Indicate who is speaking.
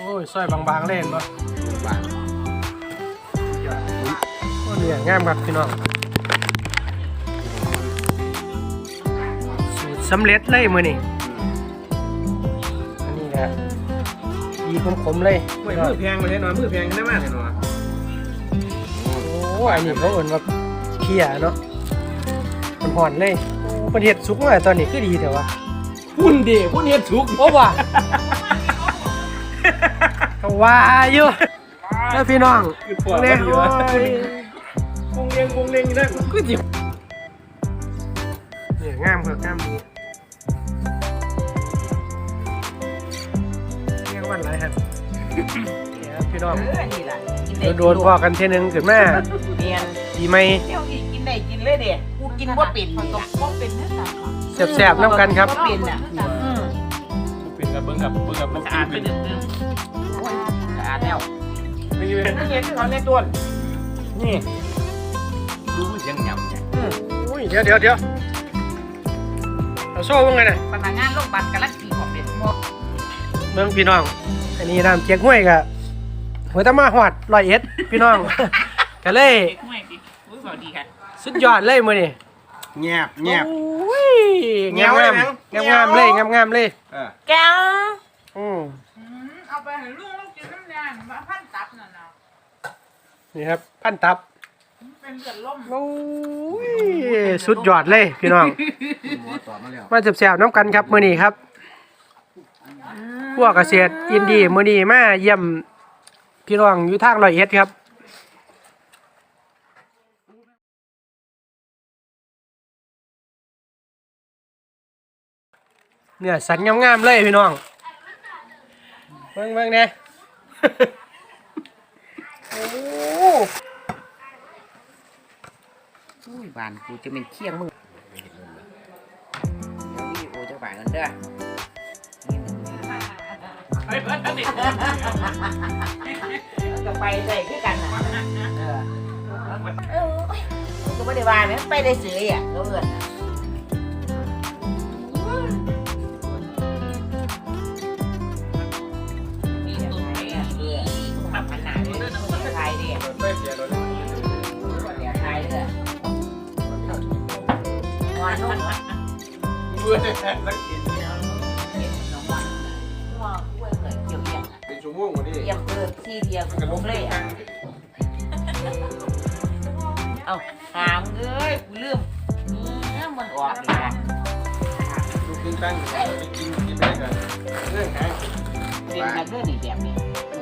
Speaker 1: อ้ยซอยบางๆเล่นบ่
Speaker 2: บาง
Speaker 1: โอ้เนี่ยงามครับพี่น้องสูตรสำเร็จเลยมื้อนี้อันนี้ครับยีขมๆเลย
Speaker 3: มือแพงเลยเนาะมือแพงได้มากเลยเนาะ
Speaker 1: โอ้อันนี้เขาเอิ้นว่าเคี่ยเนาะมันห่อนเลยโอ้ประเทศสุกมาตอนนี้คือดีแต่ว่า
Speaker 3: พุ่นดิพุ่นเฮ็ดสุก
Speaker 1: โอ้ว่ะก็ว่าอยู่แล้วพี่น้องเนี่ยโอ้ย
Speaker 3: วงเลียงนะกูจิบ
Speaker 1: เนี่ยงามครับงามดีเรียกวันไรครับเนี่ยพี่น้อง
Speaker 4: นี่ล่ะ
Speaker 1: โดนพอกันเทนึงขึ้นมา
Speaker 4: เนียน
Speaker 1: ดีไหม
Speaker 4: เดี๋ยวกินได้กินเลยเด้กูกินบ่เป็นนี่ล่ะบ่เป็นนะจ๊ะ
Speaker 1: แสบๆน้ำกันครับ
Speaker 4: บ่เป็นน่ะ
Speaker 3: เป็นกับเบิ้งกับมันสะอาดไปนิดนึง
Speaker 4: สะอาดแล้ว
Speaker 3: ไม่เห็นเขาในต้นนี่ดูเสียงหยำเนี่ย
Speaker 1: อุ้ยเดี๋ยวเอาโซ่ว่าไงน่ะ
Speaker 4: พนักงานโรงพยาบาลกำลังกินของเป็นหมด
Speaker 1: เมืองพี่น้องอันนี้น้ำเจี๊ยกห้วยกะหัวตะมาหอด101พี่น้องก็เลย
Speaker 4: ไม่ดิอุ้ยสวัสดีค่ะ
Speaker 1: สุดยอดเลยมื้อนี้
Speaker 3: แงบ
Speaker 1: โอ้ยงามเลยงามเลย
Speaker 4: แก้ว
Speaker 5: เอาไปให้ลุงกินน้ำยามาพันตับน่ะนะ
Speaker 1: นี่ครับพันตับ
Speaker 5: เป็นเลือดล่ม
Speaker 1: โอ้ยสุดยอดเลยพี่น้องมาแซ่บๆน้ำกันครับมื้อนี้ครับพวกเกษตรอินดี้มื้อนี้มาเยี่ยมพี่น้องอยู่ทาง101ครับเนี่ยสันงามๆเลยพี่น้องเบิ่งเนี่ยโอ้
Speaker 4: อุ้ยบ้านกูจะเป็นเคียงมึงเดี๋ยววิดีโอจะฝ่ายกันเด้อจะไปได้คือกันน่ะก็ไม่ได้ว่าไหมไปได้ซื้ออ่ะก็เอิ้น
Speaker 3: เป็นชั่วโมงกว่านี้
Speaker 4: เยี่ยมเกินที่เดียวกันเลยอ่ะเอาถามเลยกูลืมมันออกอีกแล้ว
Speaker 3: ลูกขึ้นตั้งไปกินได้กันเรื่องหาง
Speaker 4: เป็นกันเรื่องนี้แบบนี้